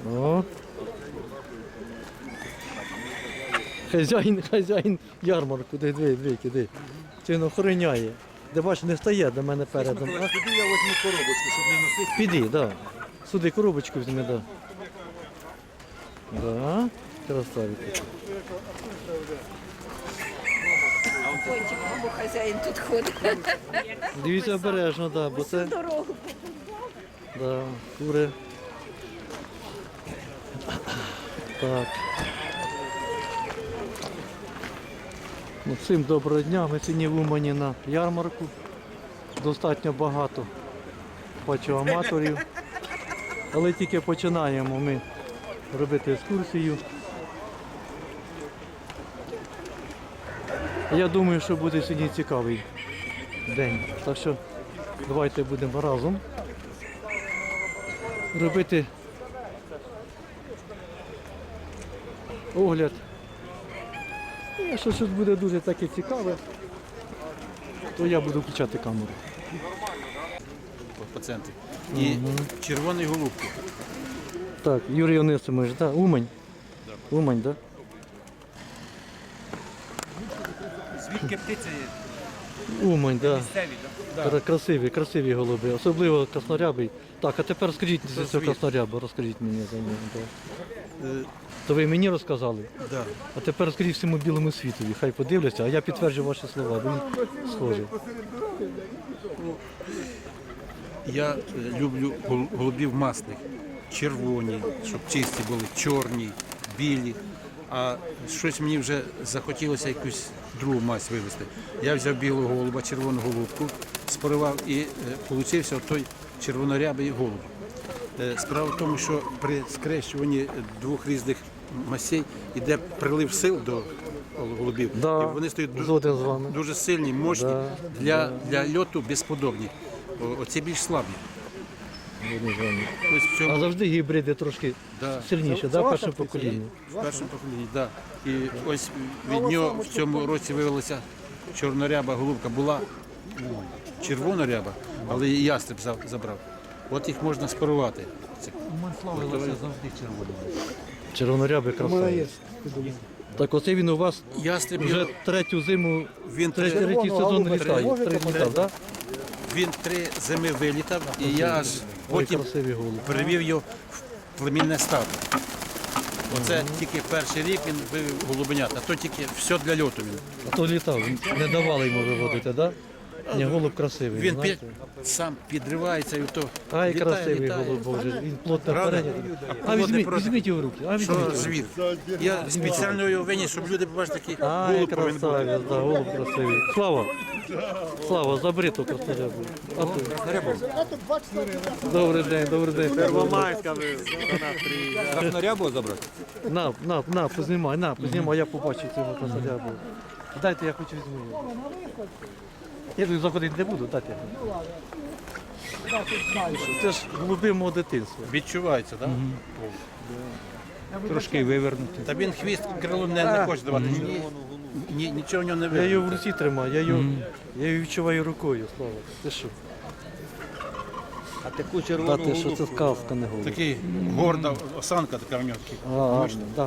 О. Хазяїн ярмарку, диви, киди. Це він охороняє. Де бачиш, не стає до мене передом. Піди, я візьму коробочку, щоб не носити. Піди, так. Да. Сюди коробочку візьми, так. Да. Да. Красавець. Пончик, бо хазяїн тут ходить. Дивіться обережно, да, бо це... Дорогу. Да, кури. Так. Ну, всім доброго дня. Ми сьогодні в Умані на ярмарку. Достатньо багато бачу аматорів. Але тільки починаємо ми робити екскурсію. Я думаю, що буде сьогодні цікавий день. Так що давайте будемо разом робити огляд. І якщо щось буде дуже таке цікаве, то я буду включати камеру. По центрі. І червоний голубки. Так, Юрій Онисимович, да? Умань? Умань, так? Звідки птиця є? Умань, так. Місцеві, так? Красиві голуби, особливо краснорябий. Так, а тепер скажіть за цього краснорябу, розкажіть мені за нього. Да. То ви мені розказали? Да. А тепер розкажіть всьому білому світові, хай подивляться, а я підтверджу ваші слова, бо він схожий. Я люблю голубів масних. Червоні, щоб чисті були, чорні, білі. А щось мені вже захотілося якусь другу мазь вивезти. Я взяв білого голуба, червону голубку, спарував і получився той червонорябий голуб. Справа в тому, що при скрещуванні двох різних масей йде прилив сил до голубів. Да, І вони стають згоден з вами. дуже сильні, мощні, для льоту безподобні. Оці більш слабі. Ось в А цьому, завжди гібриди трошки сильніші, да, перше покоління? в першому поколінні, так. І ось від нього в цьому році виявилася чорноряба голубка. Була червоноряба, але і ястреб забрав. От їх можна спарувати. Славилося завжди червоним. Червонорябий красавець. Так оце він у вас Ястреб вже його- третю зиму, він третій сезон літав, так? Він 3 зими вилітав, і я аж Ой, потім красивий голуб. привів його в племінне стадо. Оце тільки перший рік він вивів голубенят, а то тільки все для льоту він. А то літав, не давали йому виводити, так? Ні, голуб красивий. Він знаєте. сам підривається і то Ай, літає, красивий літає. голуб, Боже, він плотно Правда? перейнятий. А Плотний візьміть, проти. візьміть його в руки, а Що візьміть. звір? Я спеціально його виніс, щоб люди побачили такий Ай, голуб повинен бути. красавець, да, голуб красивий. Слава, забери ту краснорябу. А ти? Добрий день. Первомайська ви до нас приїжджали. Краснорябу забрати? На, познімай, я побачу цього краснорябу. Дайте, я хочу візьму його. Я тут заходити не буду, дайте. Це ж голуби мого дитинства. Відчувається, так? Трошки вивернути. Та він хвіст крилом не хоче давати. Нічого в нього не Я його в видно. руці тримаю, я його відчуваю рукою, Слава. Ти що? А таку Та червону ти що, це сказка, не голуб. Такий горда осанка така в нього. Да.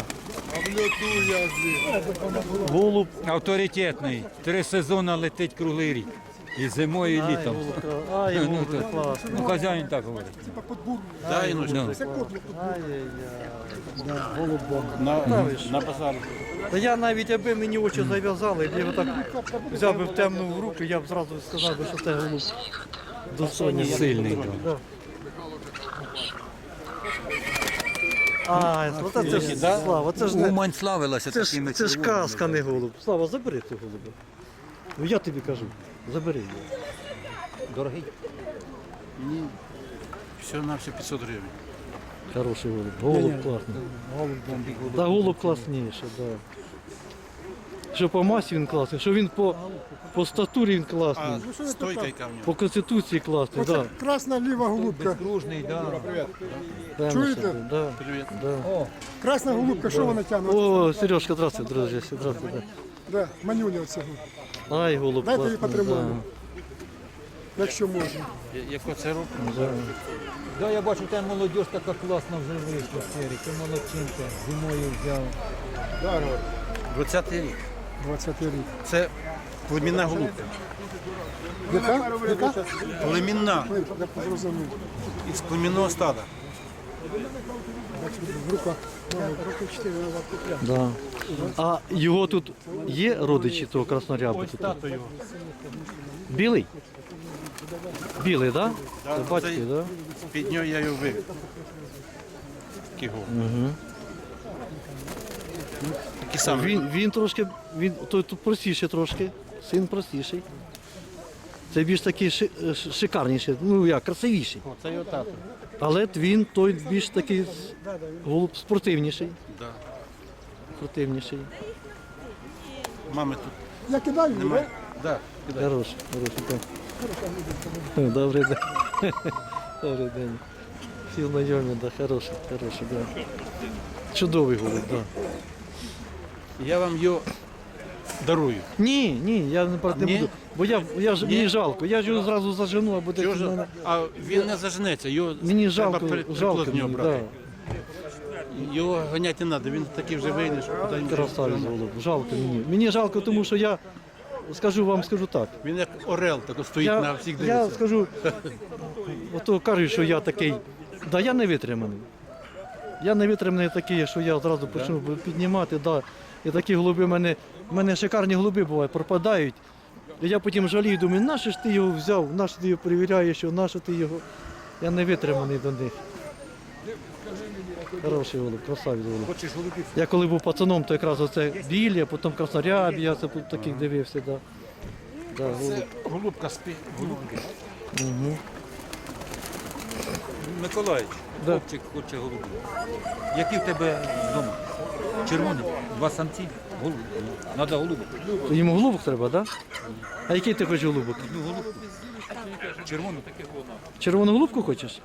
Голуб. авторитетний. 3 сезони летить круглий рік. І зимою, і літом. Ай, голуб, класний. Ну, хазяїн так говорить. Дай, ну, Ну. на базар. Та я навіть, аби мені очі зав'язали, я його так взяв би в темну в руки, я б зразу сказав, би, що це голуб достойний. Сильний. Да. А, це ж Слава, це ж не... Умань славилася такими Це ж червоними. казка, не голуб. Слава, забери цього голуба. Ну я тобі кажу, забери його. Дорогий. Все на все 500 гривень. Хороший голуб. Голуб класний. Да, голуб класніше, да. Що по масі він класний, що він по статурі він А класний. стойка яка в нього? По конституції класний, да. Красна ліва голубка. Кружний, да. Прямо Чуєте? собі, да. Привіт. Красна голубка, що вона тягне? О, Сережка, здравствуй, друзі, здравствуй. Да. Да, манюня оцього. Ай, голуб Дайте її класний, потримаю. якщо можна. Яко це року? Да, я бачу, там молодь така класна вже вийшла, Серик, ти молодчинка, зимою взяв. 20-й рік. 20 рік. Це племінна голубка. Яка? Яка? Племінна Я зрозумів. із племінного стада. В руках. Роки 4 назад купляв. Да. А його тут є родичі того краснорябу? Тут? Білий? Білий, так? Да? Це батьки, цей- так? Да? Під нього я його вивів. Такий голуб. Угу. Такий самий. Він трошки, той тут простіший трошки, син простіший. Це більш такий шикарніший, ну як, красивіший. О, це його тато. Але він той більш такий голуб спортивніший. Да. Спортивніший. Мами тут Я кидаю, немає. Да. Хороший, так. Добрий день. Добрий день. Всі знайомі, да, хороший, да. Чудовий голуб, так. Да. Я вам його дарую. Ні, я не брати не Ні? буду. Бо мені жалко, я ж його зразу зажену, або Чого десь ж? в мене. А він не заженеться, його Мені треба жалко, приплотнього мені, брати. да. Його ганяти не треба, він такий вже вийде, що куди він Красавець голуб, жалко мені. Мені жалко, тому що я скажу так. Він як орел, так от стоїть на всіх Я дивиться. скажу, ото кажуть, що я такий, да я не витриманий. Я не витриманий такий, що я одразу почну піднімати, да. І такі голуби в мене шикарні голуби бувають, пропадають. І я потім жалію, думаю, нащо ж ти його взяв, нащо ти його перевіряєш, нащо ти його. Я не витриманий до них. Хороший голуб, красавець голуб. Хочеш голубів? Я коли був пацаном, то якраз оце білі, а потім краснорябі, я це тут таких дивився. Да. Да, голуб. Це голубка голубки. Угу. Миколаївич, Да. хлопчик хоче голубів. Які в тебе вдома? Червоні? 2 самці? Голуб. Надо голубок. Йому голубок треба, так? Да? А який ти хочеш голубок? Ну, голубку. Червону. Червону голубку хочеш?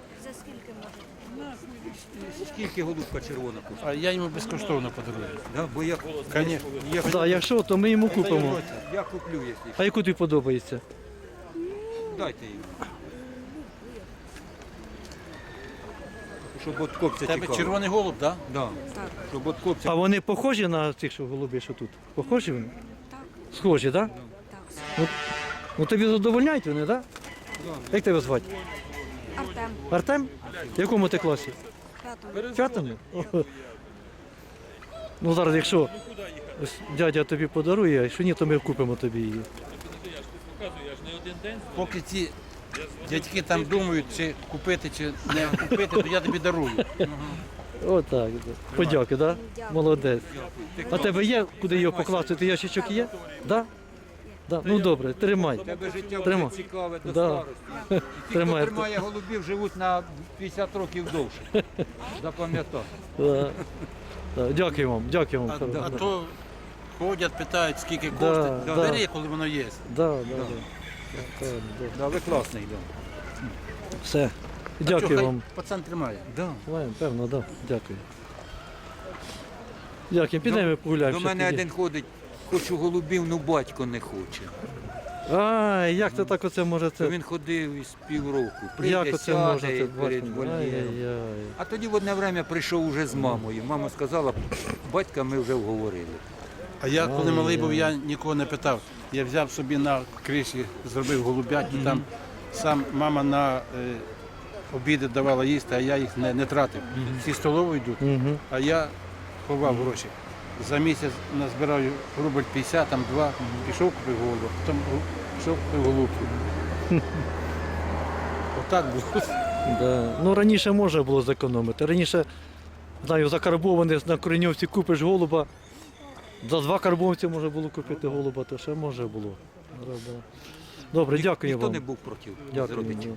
Скільки голубка червона коштує? А я йому безкоштовно подарую. Да, бо я, Звісно. Так, да, якщо, то ми йому купимо. я куплю, якщо. А яку тобі подобається? Дайте їм. Щоб от копця Тебе тікав. червоний голуб, так? Да. Щоб от копця. А вони похожі на цих, що голуби, що тут? Похожі вони? Так. Схожі, так? Да? Ну тобі задовольняють вони, так? Да? Як тебе звати? Артем, Артем? В якому ти класі? п'ятому. В п'ятому? О. Ну зараз, якщо ось дядя тобі подарує, а якщо ні, то ми купимо тобі її. Поки ці дядьки там думають, чи купити, чи не купити, то я тобі дарую. Отак. Да. Подяки, так? Да? Молодець. А тебе є, куди його покласти? Ти ящичок є? Да? Да. Ну добре, тримай. Тебе життя Тримай. буде цікаве до Да. старості. І ті, хто Тримай. тримає голубів, живуть на 50 років довше. Запам'ятай. Да. Да. Дякую вам, дякую вам. А то ходять, питають, скільки Да, коштує. да. Бери, коли воно є. Да, да, да. Да, да. Да, ви класний, да. Все. А Дякую чого, хай вам. пацан тримає. Да. Маємо, певно, да. Дякую. Дякую. Підемо погуляємо. До ще мене тоді. один ходить, хочу голубів, ну батько не хоче. Ай, як це так оце може То це? він ходив із півроку, прийде, Як оце може сяде це перед бачити? вольєром. Ай-яй-яй. А тоді в одне время прийшов уже з мамою. Мама сказала, батька ми вже вговорили. А я, коли малий був, я нікого не питав. Я взяв собі на криші, зробив голубят, і там сам мама на обіди давала їсти, а я їх не тратив. Всі столові йдуть, Мгм. а я ховав гроші. За місяць назбирав рубль 50, там 2, пішов купив голубу, потім пішов купив голубку. Отак було. Да. Ну раніше можна було зекономити. Раніше, знаю, закарбований на кореньовці купиш голуба. За 2 карбованці можна було купити голуба, то ще може було. Да, да. Добре, дякую Ніхто вам. не був проти з Дякую. родичів.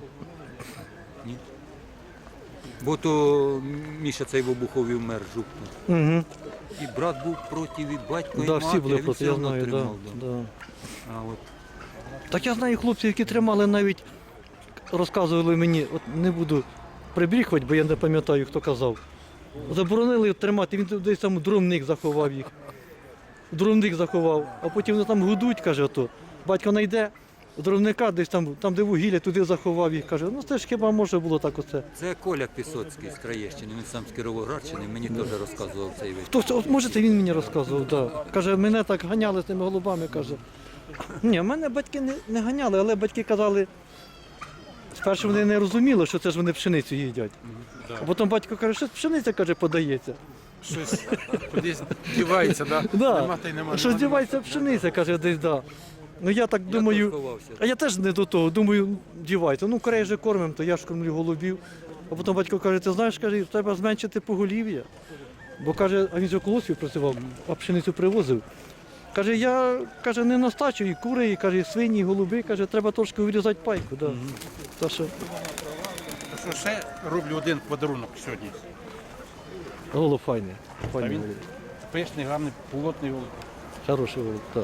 Бо то Міша цей в Обухові вмер жупнув. Угу. І брат був проти, і батько, і Да, мати, всі були а він проти, все я одно знаю. Да, тримав. Да. да. А от Так я знаю хлопців, які тримали навіть, розказували мені, от не буду прибріхувати, бо я не пам'ятаю, хто казав. Заборонили тримати, він десь там дровник заховав їх. Дровник заховав, а потім вони там гудуть, каже, ото. Батько знайде, дровника десь там, де вугілля, туди заховав їх. Каже, ну це ж хіба може було так оце. Це Коля Пісоцький з Троєщини, він сам з Кіровоградщини, мені теж розказував цей вид. Хто, от, може, це він мені розказував, да. Каже, мене так ганяли з тими голубами, каже. Ні, мене батьки не ганяли, але батьки казали, спершу вони не розуміли, що це ж вони пшеницю їдять. А потім батько каже, що пшениця, каже, подається. Щось кудись дівається, да? Да. Нема та й нема. Що дівається пшениця, каже, десь, да. Ну я так думаю, ховався. а я теж не до того, думаю, дівається. Ну, корей же кормимо, то я ж кормлю голубів. А потім батько каже, ти знаєш, каже, треба зменшити поголів'я. Бо каже, а він же в колосі працював, а пшеницю привозив. Каже, я каже, не настачу і кури, і каже, і свині, і голуби, каже, треба трошки вирізати пайку. Да. Та що Що ще роблю один подарунок сьогодні. голуб файний. Файний він? голуб. Пишний, гарний, плотний голуб. Хороший голуб, так.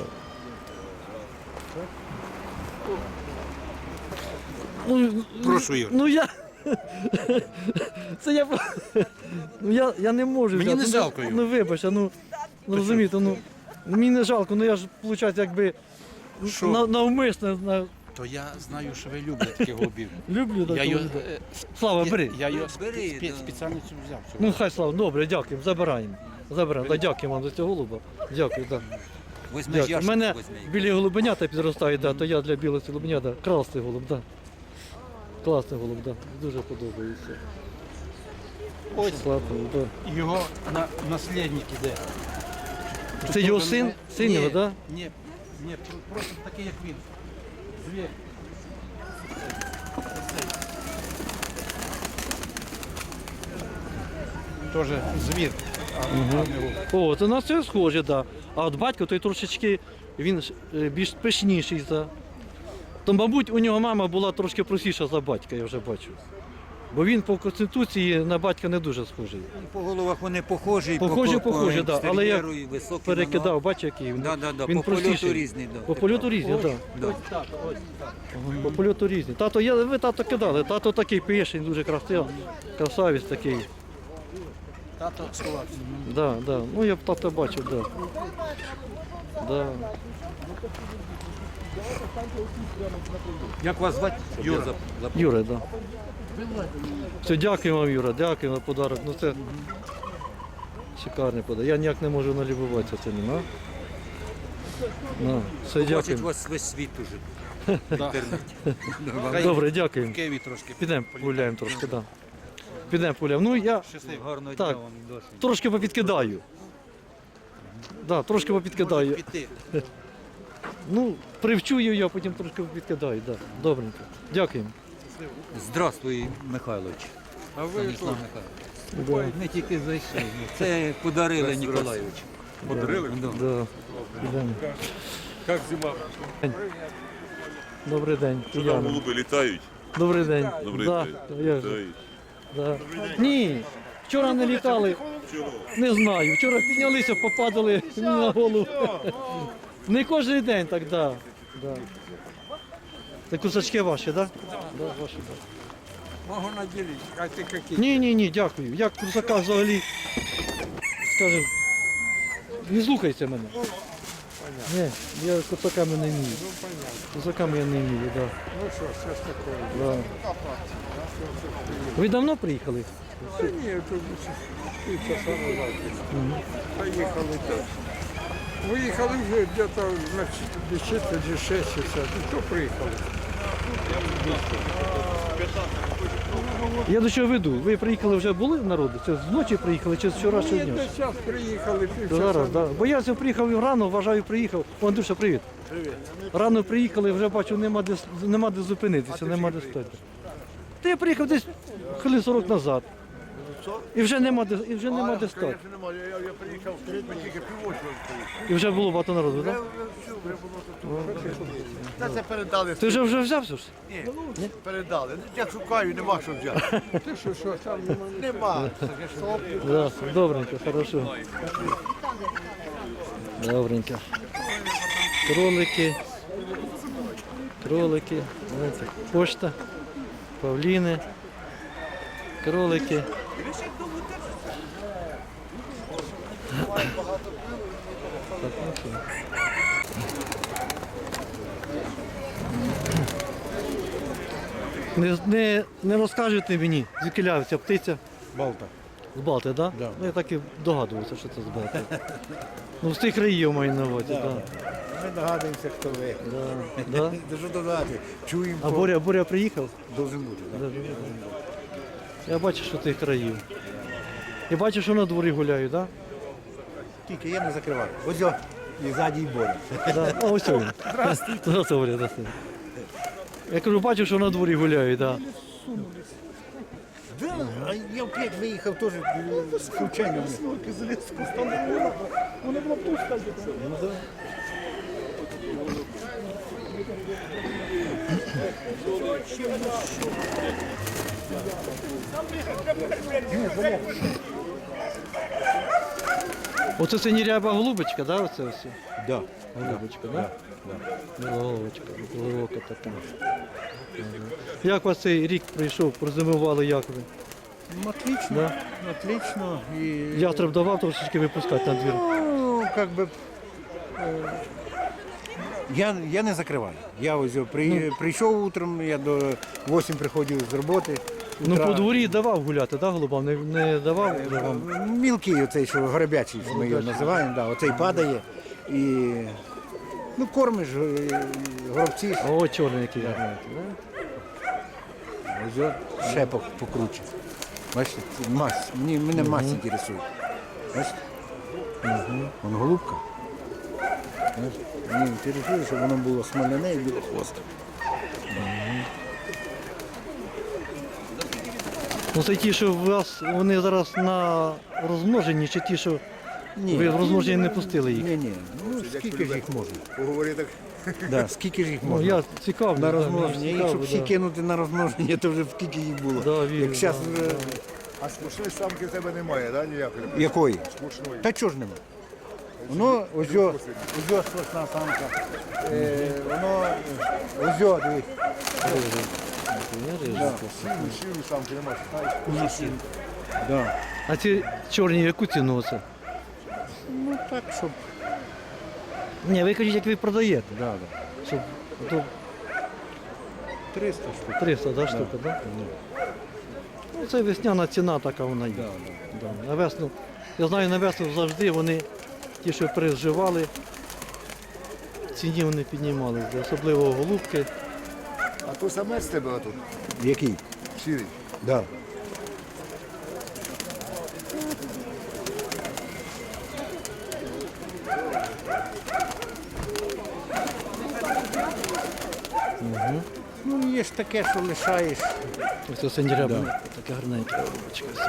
Ну, Прошу, Ігор. ну я. Це я. Ну я не можу. Мені взяти. не жалко його. Ну вибач, ну розумієте, ну мені не жалко, ну я ж, виходить, якби Що? навмисно То я знаю, що ви любите таких голубів. люблю Я так. його, Слава, бери. я його Бери, да. спеціально цю взяв. Ну хай слава, добре, дякуємо, забираємо. Забираємо. Да, дякую вам за цього голуба. Дякую, так. Возьми Дякую. У ящик, мене возьми. білі голубенята підростають, да, то я для білих голубенят, да. Класний голуб, да. Класний голуб, да. Дуже подобається. Ось Слабий, да. його наслідник іде. Це його син? Син його, так? Ні, просто такий, як він. Звір. Тоже звір. О, то на це схоже, так. Да. А от батько той трошечки, він більш пишніший. За... То, мабуть, у нього мама була трошки простіша за батька, я вже бачу. Бо він по конституції на батька не дуже схожий. По головах вони похожі, Похожі, да, але я екстер'єру і високі перекидав, бачиш, який він. Да, Він по польоту простіший. різний. Да. По польоту різні, так. Да. По польоту різні. Тато, ви тато кидали, тато такий пишний, дуже красивий, красавець такий. Тато сховався. Да, да. Ну я б тата бачив, да. Да. Як вас звати? Юра. Юра, да. Все, дякую вам, Юра, дякую за подарок. Ну це шикарний подарок. Я ніяк не можу налюбуватися цим, на. На. Все, Бачить дякую. вас весь світ уже. Добре, дякуємо. В Києві трошки. Підемо погуляємо трошки, да. Підемо погуляємо. Ну я Гарного Так. дня вам досі. трошки попідкидаю. Да, трошки попідкидаю. Піти. Ну, привчу її, а потім трошки попідкидаю, да. Добренько. Дякуємо. Здравствуй, Михайлович. А ви Станіслав Михайлович. Ми тільки зайшли. Це подарили Ніколайович. подарили? Да. Підемо. Як зима? Добрий день. Що там Уляна. голуби літають? Добрий день. Добрий да, день. я ж, Літають. да. Ні, вчора не літали, Чого? не знаю. Вчора піднялися, попадали мені на голову. Не кожен день так, да. Да. Це кусачки ваші, так? Да? Да, ваші, да. Можу наділити, а ти які? Ні, дякую. Я курсака взагалі, скажем, не слухайся мене. Ні, я курсаками не вмію. Курсаками я не вмію, так. Ну що, що ж таке? Да. Ви давно приїхали? Та ні, тут півчаса назад. Поїхали тут. Виїхали вже где-то на 4 чи 6 часов. Ну, то приїхали. Я до чого веду. Ви приїхали вже були в народу? Це зночі приїхали чи з вчорашнього Ні, дня? десь час приїхали, півчаса. Зараз, да. Бо я сьогодні приїхав рано, вважаю, приїхав. О, Андрюша, привіт. Привіт. Рано приїхали, вже бачу, нема де зупинитися, нема де стати. Та я приїхав десь хвилин 40 назад. І вже нема де стати. Я приїхав, ми тільки півочку. І вже було багато народу, так? Та це передали. Ти вже взявся ж? Ні, передали. Я шукаю, нема що взяти. Ти що, там Нема. Да, добренько, хорошо. Добренько. Кролики. Знаєте, пошта, павліни, кролики. Так, ну що. Не розкажете мені, звідки ця птиця? Балта. З Балти, так? Да? Да. Ну, я так і догадувався, що це з Балти. Ну, з тих країв маю на увазі, так. Ми догадуємося, хто ви. Да. Да? Дуже догадуєте. Чуємо, А Боря приїхав? должен бути. Да? Я бачу, що тих країв. Я бачу, що на дворі гуляють, так? Тільки я не закриваю. Ось о, і ззаді і Боря. Да? А ось він. Здравствуйте. Здравствуйте. Я кажу, бачу, що на дворі гуляють, так. Да, а я в 5 виїхав теж случайно. Оце синіряба голубочка, да, оце ось? Да. Голубочка, да? Голубочка, глибока така. Як у вас цей рік прийшов, прозимували, як ви? Отлично, Да? отлично. І, Ястреб давав трошечки випускати на двір? ну, как би, я не закриваю. Я ось прийшов утром, я до 8 приходив з роботи. Ну, Утра- по дворі давав гуляти, да, голубам? Не давав? Мілкий оцей, що горобячий, що ми його називаємо, да, оцей падає. І ну, кормиш горобці, О, чорний який гарний. ось його ще покруче. Бачите, це мазь. Мене мазь інтересує. Бачите? Вон голубка. Бачите? Мені інтересує, щоб воно було смоляне і було хвостом. Ну, це ті, що у вас, вони зараз на розмноженні, чи ті, що ви в розмноженні не пустили їх? Ні, ну скільки ж їх можна? Поговори так. Да, скільки ж їх Ну, можна? я цікавлюсь. На да, розмноження. мені Якщо цікаво, всі да. кинути на розмноження, то вже скільки їх було. Да, вірю, Як зараз да, да. А скучної самки в тебе немає, да, ніякої? якої? Скучної. Та чого ж нема? Воно ось сосна самка. Воно ось дивись. Сіру самки немає. Да. А ці чорні яку ціну оце? Ну так, щоб. Ні, ви кажіть, як ви продаєте. Да. Щоб, то 300 штук. 300, да, штука, да? Ну, це весняна ціна така вона є. Да. На весну, я знаю, на весну завжди вони, ті, що переживали, в ціні вони піднімалися, особливо голубки. А то самець з тебе отут, Який? сірий. Да. Ну, є ж таке, що лишаєш. Ось це синьоряба, таке гарненьке голубочка. ось.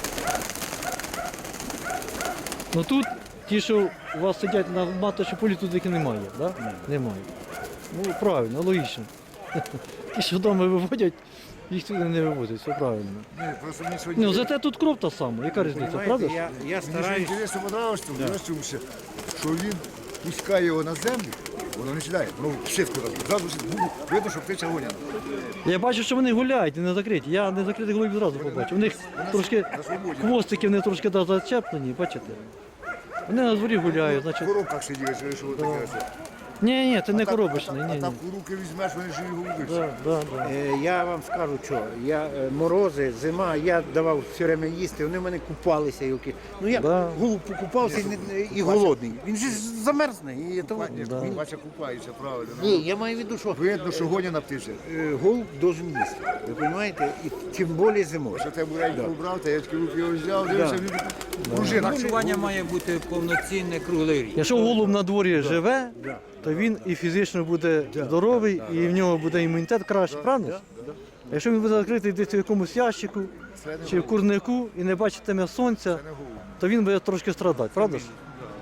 Ну тут ті, що у вас сидять на маточі полі, тут їх немає, да? Немає. Ну правильно, логічно. Ті, що вдома виводять, їх туди не вивозять, все правильно. Ні, просто мені сьогодні... Ну, зате тут кров та сама, яка різниця, правда? ж? Я Мені ж стараюсь. інтересно понравилось, що він пускає його на землю, воно не сідає, воно в сітку так. Зразу видно, що птиця гоняна. Я бачу, що вони гуляють і не закриті. Я не закритих голубів зразу побачив. У них трошки На свободі. хвостики вони трошки да, зачеплені, бачите? Вони на дворі гуляють, В значить. коробках сиділи, що таке. оце. Ні, це не А так- коробочний, а ні. там у руки візьмеш, вони живі голуби. Да. Я вам скажу, що я морози, зима, я давав все время їсти, вони в мене купалися. Ну я Да. голуб покупався і голодний. Він же ж замерзне. І то, Ні, бача купаються, правильно. ні, я маю в виду, що Видно, що гоняна птиця. голуб должен їсти. Ви розумієте? І тим більше зимою. Що ти буреньку брав, та я такі руки його взяв, дивився, він пружина. Харчування має бути повноцінне круглий рік. Якщо голуб на дворі живе, то він і фізично буде здоровий, і в нього буде імунітет краще, правда? ж? А якщо він буде закритий десь в якомусь ящику чи в курнику і не бачитиме сонця, то він буде трошки страдати, правда ж?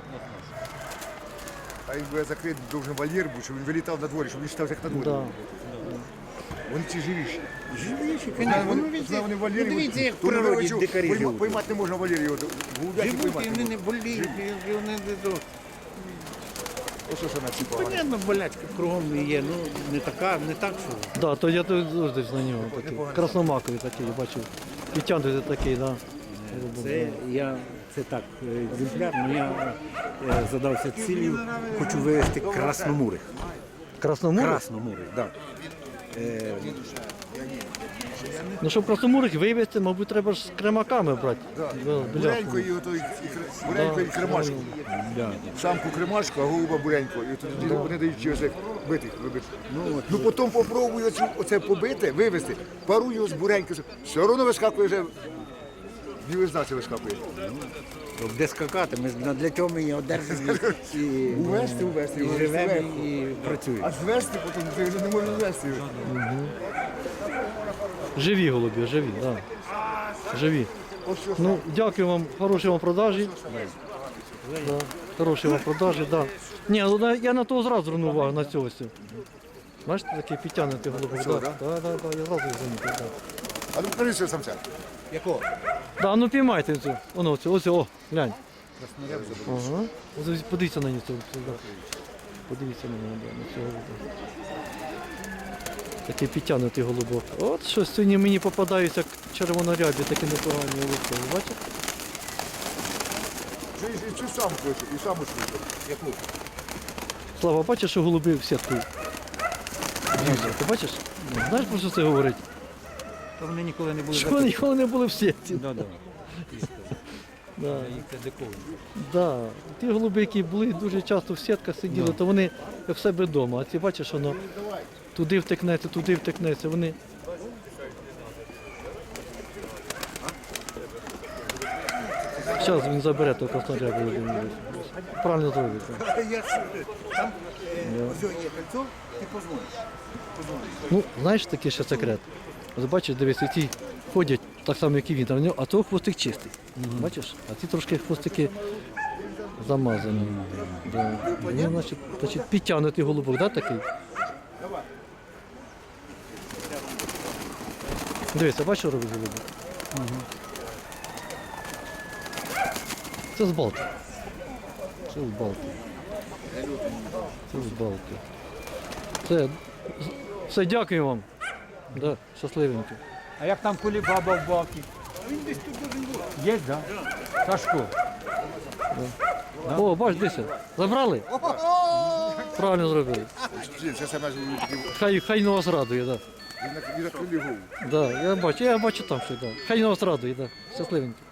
А він буде закрити довжен вольєр, був, щоб він вилітав на дворі, щоб він став як на дворі. Да. Вони ці живіші. Живіші, Знаю, звісно. вони в вольєрі. Ну, дивіться, як в то не природі вилучив, дикарі живуть. Поймати не можна в вольєрі його. Голубяки Живуть, і поймати вони не не можна. боліють, і вони не до. Ось що на ці погано. Понятно, болячка кругом є, ну не така, не так, що. Да, то я тут завжди на нього такий. Красномаковий такий, я бачив. Підтягнутий такий, да. Це так, екземпляр, але я задався цілею, хочу вивезти красномурих. Красномурий? Красномурих, так. Ну, щоб красномурих вивезти, мабуть, треба ж з кремаками брати. Да, Буренько біляшку. і буренько і кремашку. Самку кремашку, а голуба буренько. І тоді вони дають чогось битих, вибити. Ну потім попробую оце побити, вивезти, пару його з буренько. Все одно вискакує вже. Білизна це вискакує. Де скакати, ми для цього ми її одержимо і Увести, і живемо, і працюємо. А звести потім ти вже не можеш звести. Живі голуби, живі, так. Да. Живі. Ну, дякую вам, хороші вам продажі. Да. Хороші вам продажі, да. Ні, ну, я на того зразу звернув увагу, на цього. Бачите, такий підтягнутий голубок. Цього, Так, да? так, я зразу його замітив. Да. А ну покажи цього самця. Якого? Да, ну піймайте цю. Воно, ось, о, глянь. Ага. Ось подивіться на нього. Да. Подивіться на нього, да, на цього голуба. Такий підтягнутий голубок. От що сьогодні мені попадаються червонорябі, такі непогані голубки. Ви бачите? І цю самку, і самочку. Яку? Слава, бачиш, що голуби в сітку? Дивіться, ти бачиш? Знаєш, про що це говорить? То вони ніколи не були Що вони ніколи не були в сітці. Да. Да. Їх це диковано. Да. Ті голуби, які були дуже часто в сітках сиділи, то вони як в себе вдома. А ці бачиш, воно туди втекнеться, вони. Зараз він забере того краснорябу. Правильно зробить. так. Ну, знаєш такий ще секрет. От бачиш, дивись, ці ходять так само, як і він, а того хвостик чистий. Бачиш? А ці трошки хвостики замазані. Да. Ну, значить, підтягнутий голубок, да, такий? Дивіться, бачиш, що робить голубок? Це з Балти. Це з Балти. Це з Балти. Все, дякую вам. Да, щасливенько. А як там Кулібаба в Балті? Він десь тут должен бути. Є, так? Да? Сашко. О, бач, дивися. Забрали? Правильно зробили. Це саме Хай на вас радує, так. він на крилі голову. Да, я бачу там ще, да. Хай на вас радує, да. Щасливенько.